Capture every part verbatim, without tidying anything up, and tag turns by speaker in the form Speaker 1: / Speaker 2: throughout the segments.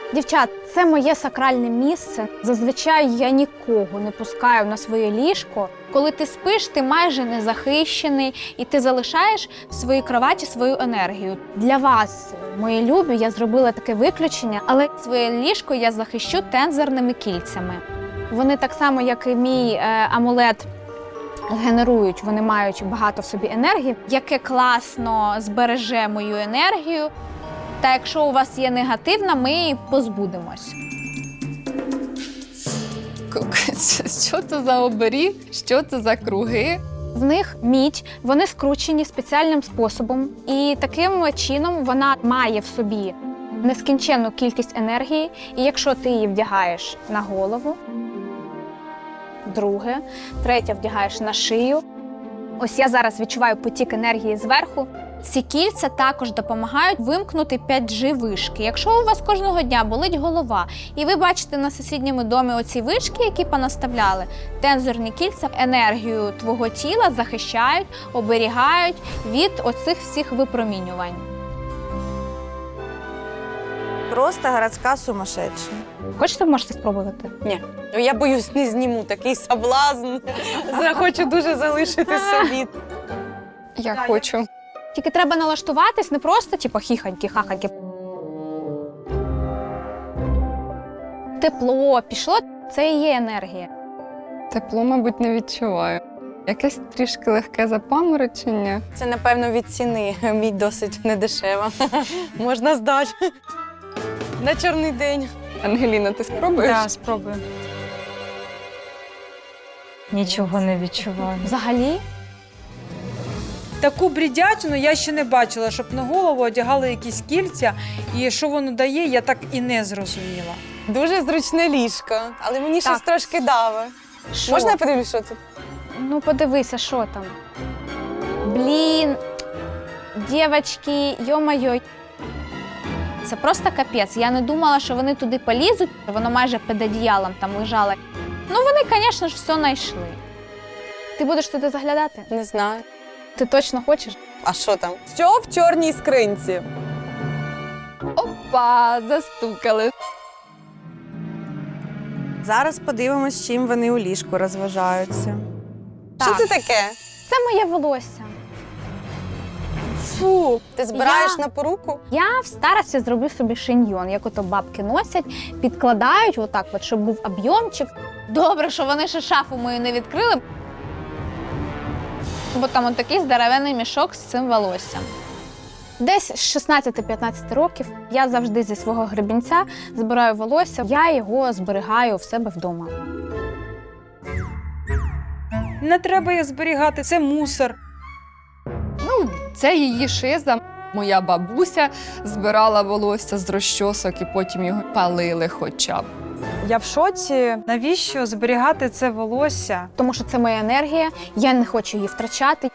Speaker 1: Дівчат, це моє сакральне місце. Зазвичай я нікого не пускаю на своє ліжко. Коли ти спиш, ти майже не захищений, і ти залишаєш в своїй кроваті свою енергію. Для вас, мої любі, я зробила таке виключення, але своє ліжко я захищу тензорними кільцями. Вони так само, як і мій е, амулет, генерують, вони мають багато в собі енергії, яке класно збереже мою енергію. Та якщо у вас є негативна, ми її позбудемось.
Speaker 2: Що це за оберіг? Що це за круги?
Speaker 1: В них мідь, вони скручені спеціальним способом. І таким чином вона має в собі нескінченну кількість енергії. І якщо ти її вдягаєш на голову, друге, третє вдягаєш на шию. Ось я зараз відчуваю потік енергії зверху. Ці кільця також допомагають вимкнути п'ять джі вишки. Якщо у вас кожного дня болить голова, і ви бачите на сусідньому домі оці вишки, які понаставляли, тензорні кільця енергію твого тіла захищають, оберігають від оцих всіх випромінювань.
Speaker 3: Просто городська сумасшедша.
Speaker 1: Хочете, можете спробувати?
Speaker 3: Ні. Я боюсь, не зніму такий соблазн. Захочу дуже залишити собі.
Speaker 2: Я хочу.
Speaker 1: Тільки треба налаштуватись не просто типу хіханьки, хаханьки. Тепло пішло, це і є енергія.
Speaker 2: Тепло, мабуть, не відчуваю. Якесь трішки легке запаморочення.
Speaker 3: Це, напевно, від ціни. Мій досить недешева. Можна здати. На чорний день.
Speaker 2: Ангеліна, ти спробуєш?
Speaker 4: Так, спробую. Нічого не відчуваю.
Speaker 1: Взагалі,
Speaker 4: Таку брідячину я ще не бачила, щоб на голову одягали якісь кільця. І що воно дає, я так і не зрозуміла.
Speaker 3: Дуже зручне ліжко, але мені щось трошки даве.
Speaker 1: що?
Speaker 3: Можна я подивлюсь, що тут?
Speaker 1: Ну, подивися, що там. Блін, дівчатки, йо-майо. Це просто капець. Я не думала, що вони туди полізуть. Воно майже під одіялом там лежало. Ну, вони, звісно ж, все знайшли. Ти будеш туди заглядати?
Speaker 3: Не знаю.
Speaker 1: Ти точно хочеш?
Speaker 3: А що там? Що в чорній скринці?
Speaker 2: Опа, застукали.
Speaker 3: Зараз подивимось, чим вони у ліжку розважаються.
Speaker 1: Так.
Speaker 3: Що це таке?
Speaker 1: Це моє волосся.
Speaker 3: Фу, ти збираєш
Speaker 1: Я-
Speaker 3: на поруку?
Speaker 1: Я в старості зробив собі шиньйон, як ото бабки носять, підкладають отак, от, щоб був об'ємчик. Добре, що вони ще шафу мою не відкрили, бо там от такий здоровенний мішок з цим волоссям. Десь з шістнадцяти-п'ятнадцяти років я завжди зі свого гребінця збираю волосся, я його зберігаю в себе вдома.
Speaker 4: Не треба їх зберігати, це мусор.
Speaker 2: Ну, це її шиза. Моя бабуся збирала волосся з розчосок і потім його палили хоча б.
Speaker 4: Я в шоці. Навіщо зберігати це волосся?
Speaker 1: Тому що це моя енергія, я не хочу її втрачати.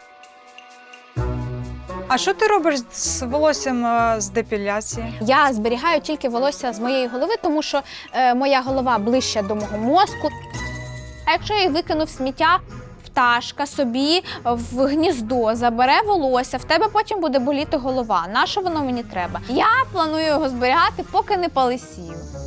Speaker 4: А що ти робиш з волоссям е, з депіляції?
Speaker 1: Я зберігаю тільки волосся з моєї голови, тому що е, моя голова ближче до мого мозку. А якщо я їх викину в сміття, пташка собі в гніздо забере волосся, в тебе потім буде боліти голова. На що воно мені треба? Я планую його зберігати, поки не полисію.